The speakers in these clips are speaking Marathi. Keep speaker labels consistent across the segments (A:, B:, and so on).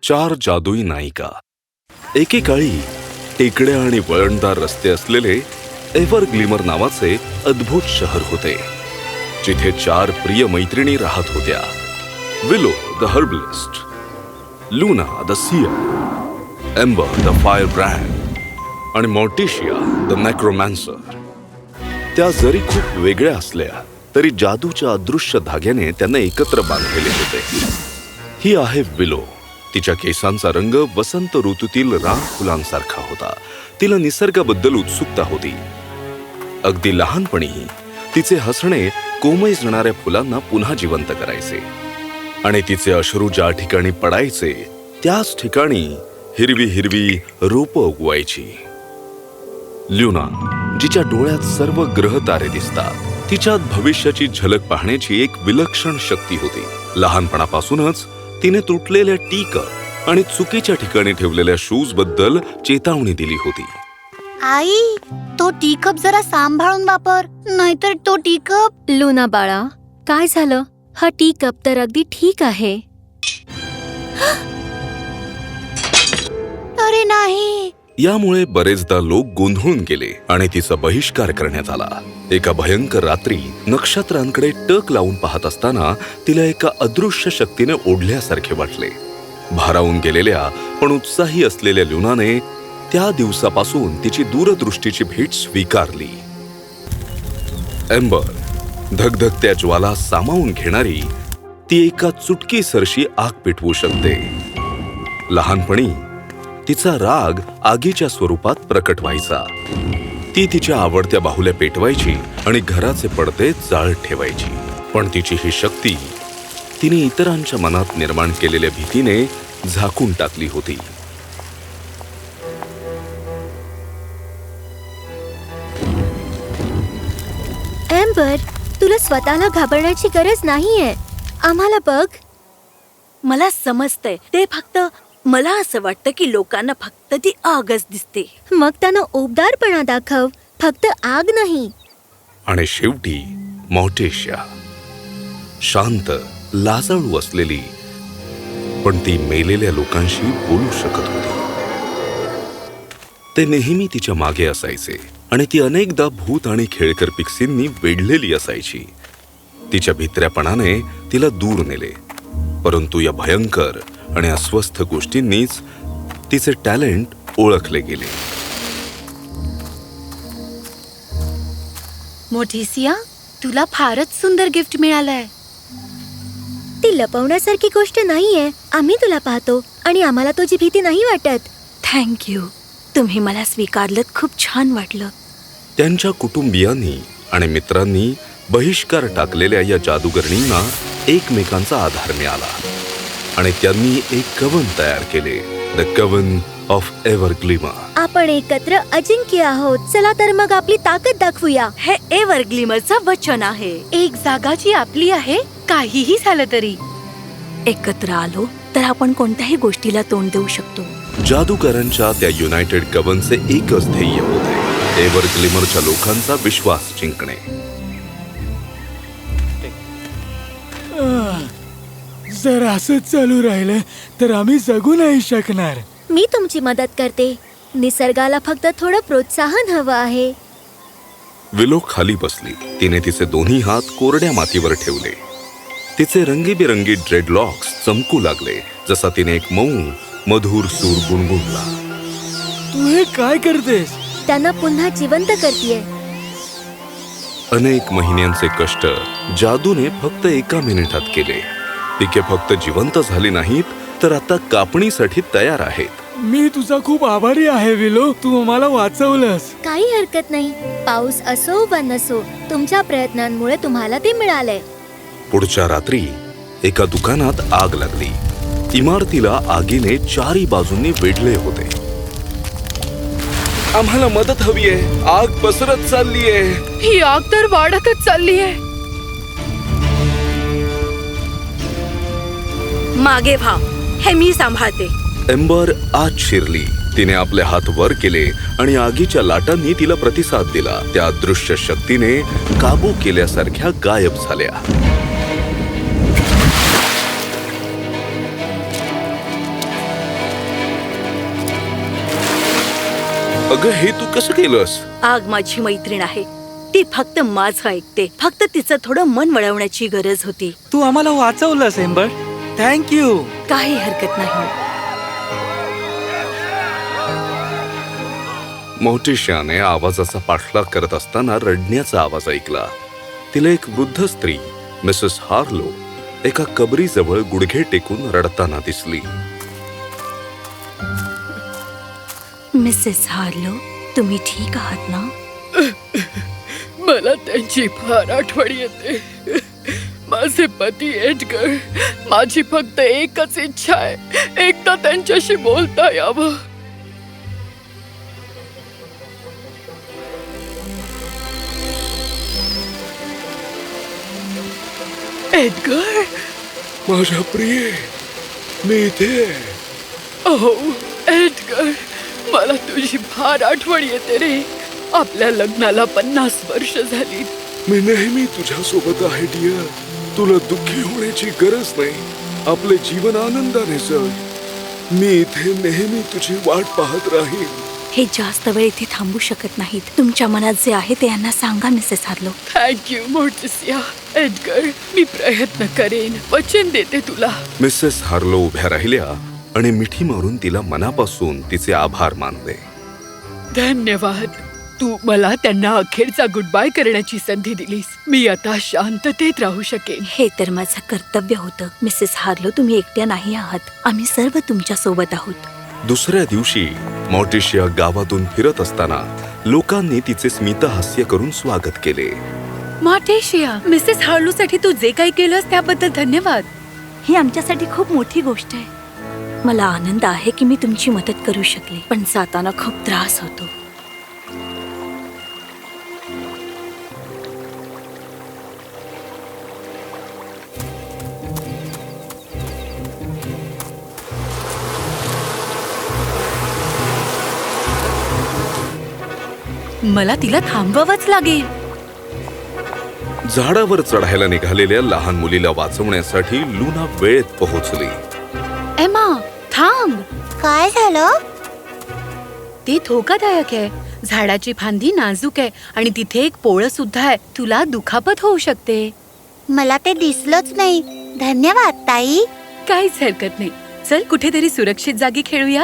A: 4 जादुई नायिका. एकेकाळी टेकड्या आणि वळणदार रस्ते असलेले एव्हरग्लिमर नावाचे अद्भुत शहर होते, जिथे 4 प्रिय मैत्रिणी राहत होत्या. Willow the herbalist, Luna the seer, Ember the fire brand आणि मॉर्टिशिया द नेक्रोमॅन्सर. त्या जरी खूप वेगळ्या असल्या तरी जादूच्या अदृश्य धाग्याने त्यांना एकत्र बांधलेले होते. ही आहे विलो. तिच्या केसांचा रंग वसंत ऋतूतील रान फुलांसारखा होता. तिला निसर्गाबद्दल उत्सुकता होती. अगदी लहानपणी तिचे हसणे कोमैजणाऱ्या फुलांना पुन्हा जिवंत करायचे आणि तिचे अश्रू ज्या ठिकाणी पडायचे त्याच ठिकाणी हिरवी हिरवी रोपं उगवायची. ल्युना, जिच्या डोळ्यात सर्व ग्रह तारे दिसतात, तिच्यात भविष्याची झलक पाहण्याची एक विलक्षण शक्ती होती. लहानपणापासूनच तिने तुटलेल्या टी कप आणि चुकीच्या ठिकाणी ठेवलेल्या शूज बद्दल चेतावणी दिली होती.
B: आई, तो टी कप जरा सांभाळून वापर, नाहीतर तो टी कप.
C: लुना बाळा, काय झालं? हा टी कप तर अगदी ठीक आहे.
B: अरे नाही.
A: यामुळे बरेचदा लोक गोंधळून गेले आणि तिचा बहिष्कार करण्यात आला. एका भयंकर रात्री नक्षत्रांकडे टक लावून पाहत असताना तिला एका अदृश्य शक्तीने ओढल्यासारखे वाटले. भारावून गेलेल्या पण उत्साही असलेल्या ल्युनाने त्या दिवसापासून तिची दूरदृष्टीची भेट स्वीकारली. एम्बर, धगधगत्या ज्वाला सामावून घेणारी, ती एका चुटकीसरशी आग पेटवू शकते. लहानपणी तिचा राग आगीच्या स्वरूपात प्रकट व्हायचा. ती तिच्या आवडत्या बाहुल्या पेटवायची आणि घराचे पडदे जाळत ठेवायची. पण तिची ही शक्ती तिने इतरांच्या मनात निर्माण केलेल्या भीतीने झाकून टाकली होती.
C: एम्बर, तुला स्वतःला घाबरण्याची गरज नाहीये. आम्हाला बघ.
B: मला समजतंय, ते फक्त मला असं वाटतं की लोकांना फक्त ती आगच दिसते.
C: मग त्यांना उबदारपणा दाखव, फक्त आग नाही.
A: आणि शेवटी मॉर्टिशिया, शांत, लाजाळू असलेली, पण ती मेलेल्या लोकांशी बोलू शकत होती. ते नेहमी तिच्या मागे असायचे आणि ती अनेकदा भूत आणि खेळकर पिक्सींनी वेढलेली असायची. तिच्या भित्र्यापणाने तिला दूर नेले, परंतु या भयंकर आणि अस्वस्थ गोष्टींनीच तिचे टॅलेंट ओळखले गेले.
B: मोठीसिया, तुला फारच सुंदर गिफ्ट मिळालंय.
C: ती लपवण्यासारखी गोष्ट नाहीये. आम्ही तुला पाहतो आणि आम्हाला तुझी भीती नाही वाटत.
B: थँक्यू. तुम्ही मला स्वीकारलत, खूप छान वाटलं.
A: त्यांच्या कुटुंबियांनी आणि मित्रांनी बहिष्कार टाकलेल्या या जादूगरणींना एकमेकांचा आधार मिळाला आणि त्यांनी एक कवन तयार केले, द कवन ऑफ एव्हरग्लिमर.
C: आपण एकत्र अजिंक्य आहोत. चला तर मग आपली ताकद दाखवूया.
B: हे एव्हरग्लिमरचं वचन आहे. एक जागा जी आपली आहे, काहीही झालं तरी. एकत्र आलो तर आपण कोणत्याही गोष्टीला तोंड देऊ शकतो.
A: जादूकरांच्या त्या युनायटेड कवनचे एकच ध्येय होते, एव्हरग्लिमरच्या लोकांचा विश्वास जिंकणे.
D: जर असंच चालू राहिलं तर आम्ही जगू नाही शकणार.
C: मी तुमची मदत करते. निसर्गाला फक्त थोडं प्रोत्साहन हवं आहे.
A: विलो खाली बसली. तिने तिचे दोन्ही हात कोरड्या मातीवर ठेवले. तिचे रंगीबेरंगी ड्रेडलॉक्स चमकू लागले, जसा तिने एक मऊ मधुर सूर गुणगुणला.
D: तू हे काय करतेस?
C: त्यांना पुन्हा जिवंत करतेय.
A: अनेक महिन्यांचे कष्ट जादूने फक्त एका मिनिटात केले. पिके फक्त जिवंत झाली नाहीत, तर आता कापणीसाठी तयार आहेत.
D: मी तुझा खूप आभारी आहे विलो. तू मला वाचवलंस.
C: काही हरकत नाही. पाऊस असो वा नसो, तुमच्या प्रयत्नांमुळे तुम्हाला ते मिळालंय.
A: पुढच्या रात्री एका दुकानात आग लागली. इमारतीला आगीने चारी बाजूंनी वेढले होते. आम्हाला मदत हवी आहे. आग पसरत चाललीये.
B: ही आग तर वाढतच चालली आहे. मागे व्हा, हे मी सांभाळते.
A: एम्बर आत शिरली. तिने आपले हात वर केले आणि आगीच्या लाटांनी तिला प्रतिसाद दिला. त्या दृश्य शक्तीने काबू केल्यासारख्या गायब झाल्या. अगं हे तू कसं केलंस?
B: आग माझी मैत्रीण आहे. ती फक्त माझं ऐकते. फक्त तिचं थोडं मन वळवण्याची गरज होती.
E: तू आम्हाला वाचवलंस एम्बर. थँक्यू.
B: काही हरकत नाही.
A: मोर्टिशियाने आवाजाचा पाठलाग करत असताना रडण्याचा आवाज ऐकला. तिला एक वृद्ध स्त्री मिसेस हार्लो एका कबरीजवळ गुडघे टेकून रडताना दिसली.
B: मिसेस हार्लो, तुम्ही ठीक आहात ना?
F: मला त्यांची फार आठवण येते. माझे पती एडगर. माझी फक्त एकच इच्छा आहे, एकदा त्यांच्याशी बोलता यावं. एडगर,
A: माझ्या प्रिय, मी इथे.
F: ओ एडगर, मला तुझी फार आठवण येते रे. आपल्या लग्नाला 50 वर्ष झाली.
A: मी नेहमी तुझ्या सोबत आहे डिअर. तुला दुःखी होण्याची गरज नाही. आपले जीवन आनंदाने जग. मी इथे नेहमी तुझी वाट पाहत राहीन.
B: हे जास्त वेळ इथे थांबू शकत नाहीत. तुमच्या मनात जे आहे ते यांना सांगा Mrs Harlow.
F: Thank you Morticia. Edgar, मी प्रयत्न करेन, वचन देते तुला.
A: मिसेस हार्लो उभ्या राहिल्या आणि मिठी मारून तिला मनापासून तिचे आभार मानले.
F: धन्यवाद. तू मला त्यांना अखेरचा गुड बाय करण्याची संधी दिलीस. मी आता शांततेत राहू शकेन.
B: हे तर माझं कर्तव्य होतं. मिसेस हार्लो, तुम्ही एकट्या नाही आहात. आम्ही सर्व तुमच्या सोबत आहोत.
A: दुसऱ्या दिवशी मोर्टिशिया गावातून फिरत असताना लोकांनी तिचे स्मितहास्य करून स्वागत केले.
B: मार्टेशिया, मिसेस हार्लो साठी तू जे काही केलंस त्याबद्दल धन्यवाद. ही आमच्यासाठी खूप मोठी गोष्ट आहे. मला आनंद आहे की मी तुमची मदत करू शकले, पण जाताना खूप त्रास होतो. मला तिला थांबवावंच लागेल.
A: झाडावर चढायला निघालेल्या लहान मुलीला वाचवण्यासाठी लुना वेळेत पोहोचली.
B: एमा, थांब.
C: काय झालं?
B: ते धोकादायक आहे. झाडाची फांदी नाजूक आहे आणि तिथे एक पोळं सुद्धा आहे. तुला दुखापत होऊ शकते.
C: मला ते दिसलंच नाही. धन्यवाद ताई.
B: काहीच हरकत नाही. चल कुठेतरी सुरक्षित जागी खेळूया.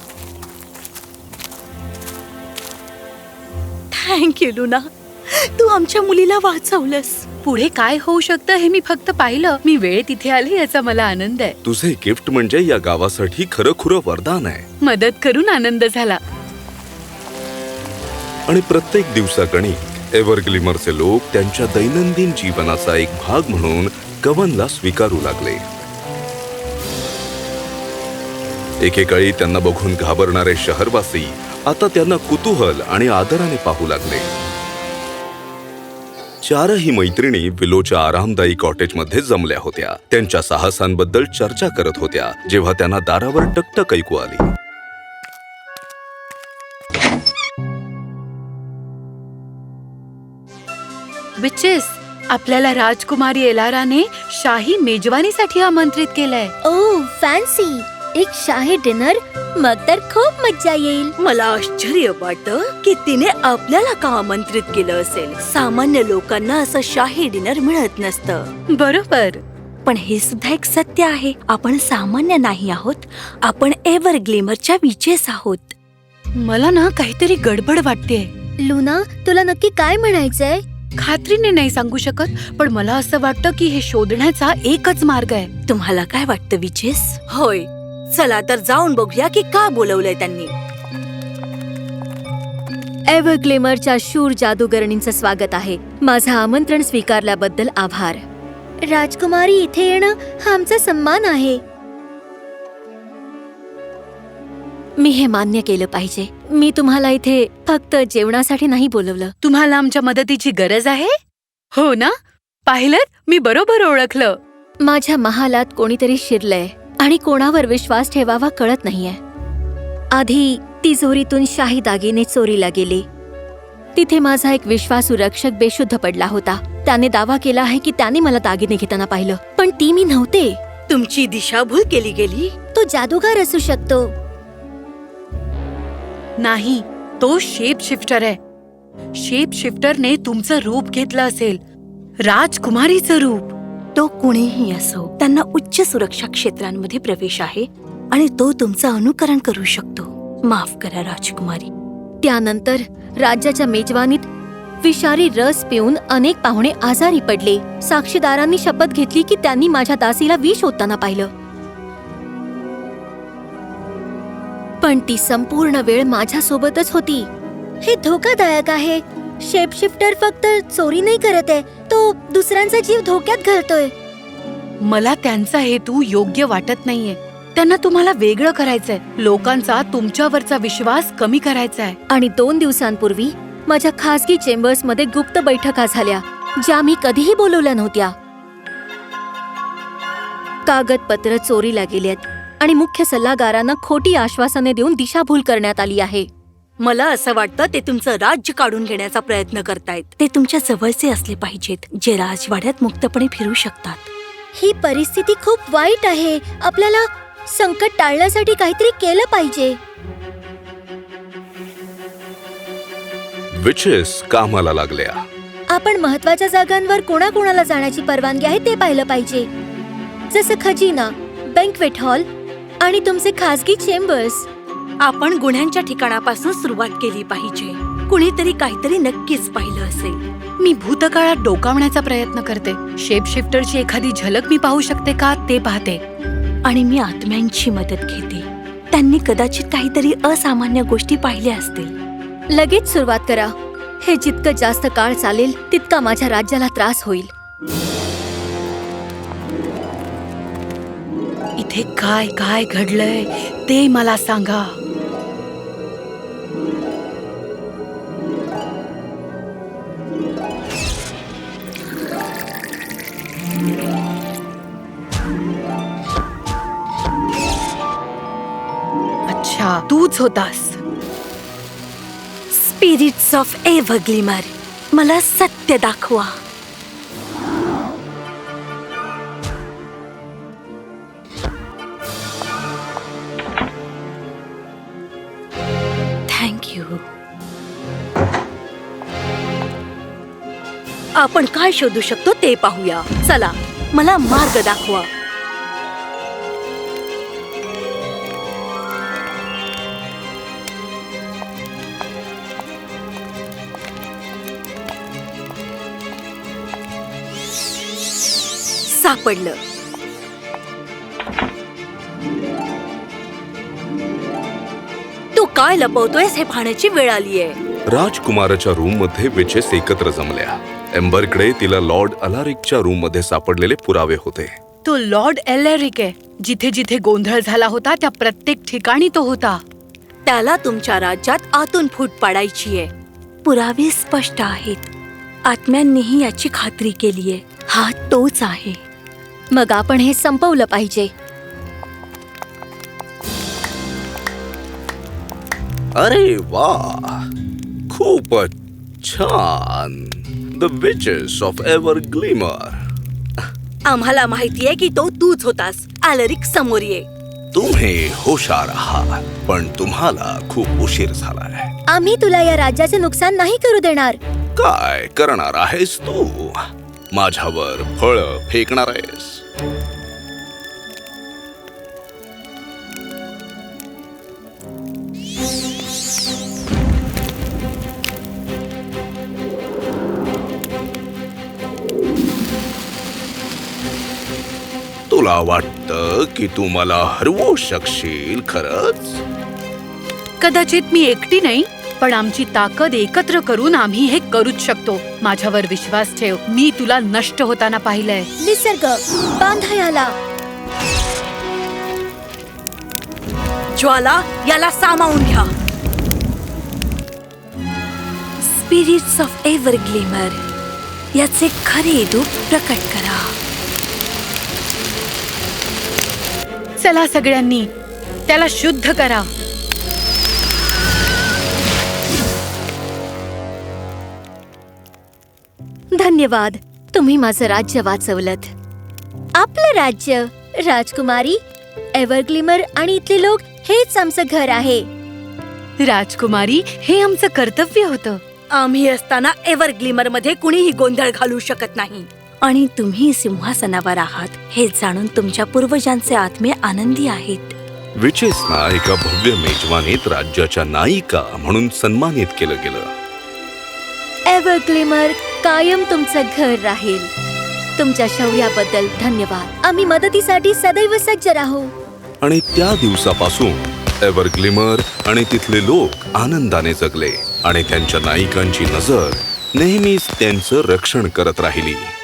B: थँक्यू लुना, तू आमच्या मुलीला वाचवलंस. पुढे काय होऊ शकतं हे मी फक्त पाहिलं. मी वेळ तिथे आले याचा मला आनंद आहे.
A: तुझे गिफ्ट म्हणजे या गावासाठी खरंखुरं वरदान आहे.
B: मदत करून आनंद झाला.
A: आणि प्रत्येक दिवसागणिक एव्हरग्लिमरचे लोक त्यांच्या दैनंदिन जीवनाचा एक भाग म्हणून कवनला स्वीकारू लागले. एकेकाळी त्यांना बघून घाबरणारे शहरवासी आता त्यांना कुतूहल आणि आदराने पाहू लागले. चारही मैत्रिणी विलोच्या आरामदायी कॉटेजमध्ये जमल्या होत्या. त्यांच्या साहसांबद्दल चर्चा करत होत्या जेव्हा त्यांना दारावर टकटक ऐकू आली.
B: विचेस, आपल्याला राजकुमारी एलाराने शाही मेजवानीसाठी आमंत्रित केलंय.
C: Oh fancy. एक शाही डिनर. मग तर खूप मज्जा येईल.
B: मला आश्चर्य वाटतं की तिने आपल्याला का आमंत्रित केलं असेल. सामान्य लोकांना असं शाही डिनर मिळत नसतं. बरोबर, पण हे सुद्धा एक सत्य आहे. आपण सामान्य नाही आहोत. आपण एव्हरग्लिमरच्या विचेस आहोत. मला ना काहीतरी गडबड वाटतेय.
C: लुना, तुला नक्की काय म्हणायचंय?
B: खात्रीने नाही सांगू शकत, पण मला असं वाटतं की हे शोधण्याचा एकच मार्ग आहे. तुम्हाला काय वाटतं विचेस? होय, चला तर जाऊन बघूया की का बोलवलंय त्यांनी.
C: एव्हरग्लिमरच्या शूर जादूगरणींचं स्वागत आहे. माझं आमंत्रण स्वीकारल्याबद्दल आभार. राजकुमारी इथे येणं हा आमचा सन्मान आहे. मी हे मान्य केलं पाहिजे. मी तुम्हाला इथे फक्त जेवणासाठी नाही बोलवलं.
B: तुम्हाला आमच्या मदतीची गरज आहे? हो ना? पाहिलं, मी बरोबर ओळखलं.
C: माझ्या महालात कोणीतरी शिरलंय आणि कोणावर विश्वास ठेवावा कळत नाहीये. आधी तिजोरीतून शाही दागिने चोरीला गेले. तिथे माझा एक विश्वासू रक्षक बेशुद्ध पडला होता. त्याने दावा केला आहे की त्याने मला दागिने घेताना पाहिलं, पण ती मी नव्हते.
B: तुमची दिशाभूल केली गेली?
C: तो जादूगार असू शकतो.
B: नाही,
F: तो शेप शिफ्टर आहे. शेप शिफ्टरने तुमचं रूप घेतलं असेल, राजकुमारीचं रूप.
B: तो कुणीही असो, त्यांना उच्च सुरक्षा क्षेत्रांमध्ये प्रवेश आहे आणि तो तुमचं अनुकरण करू शकतो. माफ करा राजकुमारी.
C: त्यानंतर राज्याच्या मेजवानीत विषारी रस पिऊन अनेक पाहुणे आजारी पडले. साक्षीदारांनी शपथ घेतली की त्यांनी माझ्या दासीला विष होताना पाहिलं. पण ती संपूर्ण वेळ माझ्यासोबतच होती. हे धोकादायक आहे. शेपशिफ्टर फक्त चोरी नाही करत आहे, तो दुसऱ्यांचा जीव धोक्यात घालतोय.
F: मला त्यांचा हेतू योग्य वाटत नाहीये. त्यांना तुम्हाला वेगळं करायचंय. लोकांचा तुमच्यावरचा विश्वास कमी करायचाय.
C: आणि 2 दिवसांपूर्वी माझ्या खासगी चेंबर्समध्ये गुप्त बैठका झाल्या, ज्या मी कधीही बोलवल्या नव्हत्या. कागदपत्र चोरीला गेलेत आणि मुख्य सल्लागारांना खोटी आश्वासने देऊन दिशाभूल करण्यात आली आहे.
B: मला असं वाटतं ते तुमचं राज्य काढून घेण्याचा प्रयत्न करतायत. ते तुमच्या जवळचे असले पाहिजेत, जे राजवाड्यात मुक्तपणे फिरू शकतात.
C: ही परिस्थिती खूप वाईट आहे. आपल्याला संकट टाळण्यासाठी काहीतरी केलं पाहिजे.
A: विचेस कामाला लागल्या.
C: आपण महत्वाच्या जागांवर कोणाकोणाला जाण्याची परवानगी आहे ते पाहिलं पाहिजे, जसं खजिना, बँक्वेट हॉल आणि तुमचे खासगी चेंबर्स.
B: आपण गुन्ह्यांच्या ठिकाणापासून सुरुवात केली पाहिजे. कुणीतरी काहीतरी नक्कीच पाहिलं असेल.
F: मी भूतकाळात डोकावण्याचा प्रयत्न करते. शेप शिफ्टरची एखादी झलक मी पाहू शकते का ते पाहते.
B: आणि मी आत्म्यांची मदत घेते. त्यांनी कदाचित काहीतरी असामान्य गोष्टी पाहिल्या असतील.
C: लगेच सुरुवात करा. हे जितकं जास्त काळ चालेल तितका माझ्या राज्याला त्रास होईल.
F: इथे काय काय घडलंय ते मला सांगा. अच्छा, तूच होतास.
B: स्पिरिट्स ऑफ एव्हरग्लिमर, मला सत्य दाखवा. Thank you. आपण काय शोधू शकतो ते पाहूया. चला, मला मार्ग दाखवा. सापडलं. तू काय लपवतोयस हे पाहण्याची वेळ आलीये.
A: राजकुमाराच्या रूम मध्ये विचेस एकत्र जमल्या. एम्बरकडे तिला लॉर्ड अलारिकच्या रूम मध्ये सापडलेले पुरावे होते.
F: तो लॉर्ड एलेरिक आहे. जिथे जिथे गोंधळ झाला होता त्या प्रत्येक ठिकाणी तो होता.
B: त्याला तुमच्या राज्यात आतून फूट पाडायची आहे. पुरावे स्पष्ट आहेत. आत्म्यांनीही याची खात्री केलीये. हा तोच आहे.
C: मग आपण हे संपवलं पाहिजे.
A: अरे वा, खूपच छान. The witches of Everglimmer.
B: आम्हाला माहितीये की तो तूच होतास. अलारिक समोर ये.
A: तुम्ही हुशार आहात, पण तुम्हाला खूप उशीर झालाय.
C: आम्ही तुला या राज्याचे नुकसान नाही करू देणार.
A: काय करणार आहेस तू? माझ्यावर फळ फेकणार आहेस? तुला वाटतं की तू मला हरवू शकशील खरंच?
F: कदाचित मी एकटी नाही, पण आमची ताकद एकत्र करून आम्ही हे करूच शकतो. माझ्यावर विश्वास ठेव. मी तुला नष्ट होताना पाहिलंय.
C: निसर्ग, बांधा याला.
B: ज्वाला, याला सामावून घ्या. स्पिरिट्स ऑफ एव्हरग्लिमर, याचे खरे रूप प्रकट करा.
F: चला सगळ्यांनी, त्याला शुद्ध करा.
C: धन्यवाद. तुम्ही माझं राज्य वाचवलंत. आपलं राज्य, राजकुमारी, एव्हरग्लिमर आणि इथले लोक हेच आमचं घर आहे.
G: राजकुमारी, हे आमचं कर्तव्य होतं.
B: आम्ही असताना एव्हरग्लिमर मध्ये कुणीही गोंधळ घालू शकत नाही. आणि तुम्ही सिंहासनावर आहात हे जाणून तुमच्या पूर्वजांचे आत्मे आनंदी आहेत.
A: विचेसना एका भव्य मेजवानीत राज्याच्या नायिका म्हणून सन्मानित केलं गेलं.
C: एव्हरग्लिमर कायम तुमचं घर राहील. तुमच्या शौर्याबद्दल धन्यवाद. आम्ही मदतीसाठी सदैव सज्ज राहू.
A: आणि त्या दिवसापासून एव्हरग्लिमर आणि तिथले लोक आनंदाने जगले आणि त्यांच्या नायिकांची नजर नेहमीच त्यांचं रक्षण करत राहिली.